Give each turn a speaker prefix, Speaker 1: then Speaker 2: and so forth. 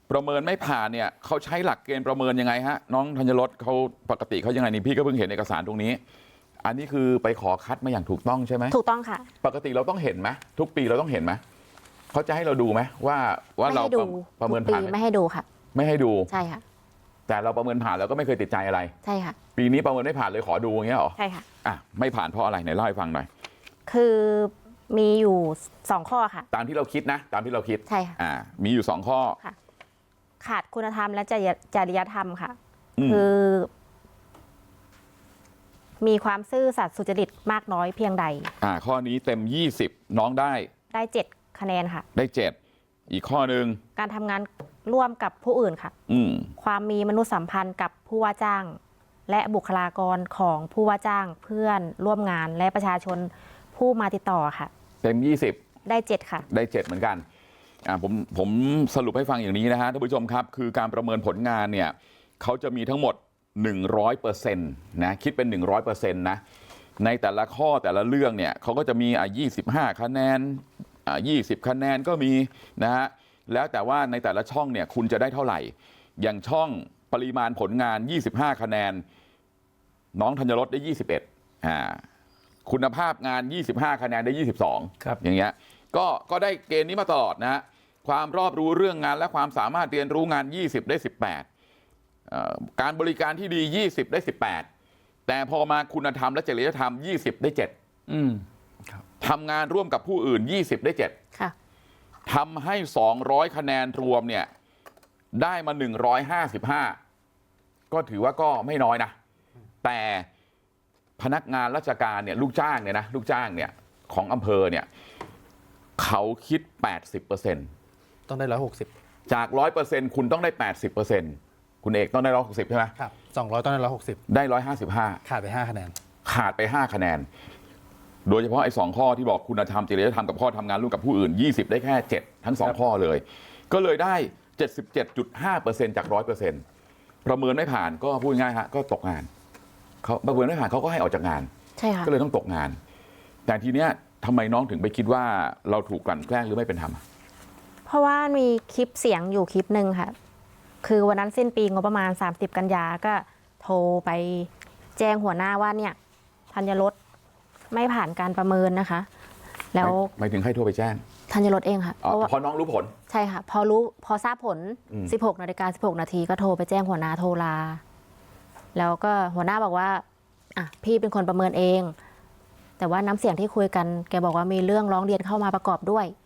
Speaker 1: ประเมินไม่ผ่านเนี่ยเขาใช้หลักเกณฑ์ประเมินยังไงฮะน้องธัญรสเขาปกติเขายังไงนี่พี่ก็เพิ่งเห็นเอกสารตรงนี้อันนี้คือไปขอคัดมาอย่างถูกต้องใช่ไหม
Speaker 2: ถูกต้องค่ะ
Speaker 1: ปกติเราต้องเห็นไหมทุกปีเราต้องเห็นไหมเขาจะให้เราดูไหมว่าเราประเมินผ่าน
Speaker 2: ไม่ให้ดูค่ะ
Speaker 1: ไม่ให้ดู
Speaker 2: ใช่ค่ะ
Speaker 1: แต่เราประเมินผ่านเราก็ไม่เคยติดใจอะไร
Speaker 2: ใช่ค่ะ
Speaker 1: ปีนี้ประเมินไม่ผ่านเลยขอดูอย่างเงี้ยหรอ
Speaker 2: ใช่ค่ะ
Speaker 1: ไม่ผ่านเพราะอะไรไหนเล่าให้ฟังหน่อย
Speaker 2: คือมีอยู่2ข้อค่ะ
Speaker 1: ตามที่เราคิดนะตามที่เราคิด
Speaker 2: ใช่ค่ะ
Speaker 1: มีอยู่2ข้อ
Speaker 2: ค่ะขาดคุณธรรมและจริยธรรมค่ะคือมีความซื่อสัตย์สุจริตมากน้อยเพียงใด
Speaker 1: ข้อนี้เต็ม20น้องได้
Speaker 2: 7คะแนนค่ะ
Speaker 1: ได้7อีกข้อหนึ่ง
Speaker 2: การทำงานร่วมกับผู้อื่นค่ะความมีมนุษยสัมพันธ์กับผู้ว่าจ้างและบุคลากรของผู้ว่าจ้างเพื่อนร่วมงานและประชาชนผู้มาติดต่อค่ะ
Speaker 1: เต็ม20
Speaker 2: ได้7ค่ะ
Speaker 1: ได้7เหมือนกันผมสรุปให้ฟังอย่างนี้นะฮะท่านผู้ชมครับคือการประเมินผลงานเนี่ยเขาจะมีทั้งหมด 100% นะคิดเป็น 100% นะในแต่ละข้อแต่ละเรื่องเนี่ยเขาก็จะมี25คะแนน20คะแนนก็มีนะฮะแล้วแต่ว่าในแต่ละช่องเนี่ยคุณจะได้เท่าไหร่อย่างช่องปริมาณผลงาน25คะแนนน้องธัญรสได้21คุณภาพงาน25คะแนนได้22
Speaker 3: ครับ
Speaker 1: อย่างเงี้ยก็ได้เกณฑ์นี้มาตลอดนะฮะความรอบรู้เรื่องงานและความสามารถเรียนรู้งาน20ได้18การบริการที่ดี20ได้18แต่พอมาคุณธรรมและจริยธรรม20ได้7ทำงานร่วมกับผู้อื่น20ได้7
Speaker 2: ค่ะ
Speaker 1: ทำให้200คะแนนรวมเนี่ยได้มา155ก็ถือว่าก็ไม่น้อยนะแต่พนักงานราชการเนี่ยลูกจ้างเนี่ยนะลูกจ้างเนี่ยของอำเภอเนี่ยเขาคิด 80%
Speaker 3: ต้องได้160
Speaker 1: จาก 100% คุณต้องได้ 80%คุณเอกต้องได้160ใช่ไหม
Speaker 3: ครับ200ต้องได้160
Speaker 1: ได้155
Speaker 3: ขาดไป5คะแนน
Speaker 1: ขาดไป5คะแนนโดยเฉพาะไอ้2ข้อที่บอกคุณธรรมจริยธรรมกับข้อทำงานร่วมกับผู้อื่น20ได้แค่7ทั้ง2ข้อเลยก็เลยได้ 77.5% จาก 100%ประเมินไม่ผ่านก็พูดง่ายฮะก็ตกงานเขาประเมินไม่ผ่านเขาก็ให้ออกจากงาน
Speaker 2: ใช่ค่ะ
Speaker 1: ก็เลยต้องตกงานแต่ทีเนี้ยทำไมน้องถึงไปคิดว่าเราถูกกลั่นแกล้งหรือไม่เป็นธรรม
Speaker 2: เพราะว่ามีคลิปเสียงอยู่คลิปหนึ่งค่ะคือวันนั้นสิ้นปีงบประมาณ30กันยาก็โทรไปแจ้งหัวหน้าว่าเนี่ยธัญรสไม่ผ่านการประเมินนะคะแล้ว
Speaker 1: ไม่ถึงให้โทรไปแจ้ง
Speaker 2: ธัญรสเองค่ะ
Speaker 1: พอน้องรู้ผล
Speaker 2: ใช่ค่ะพอทราบผล 16:16 นาทีก็โทรไปแจ้งหัวหน้าโทรลาแล้วก็หัวหน้าบอกว่าพี่เป็นคนประเมินเองแต่ว่าน้ำเสียงที่คุยกันแกบอกว่ามีเรื่องร้องเรียนเข้ามาประกอบด้วย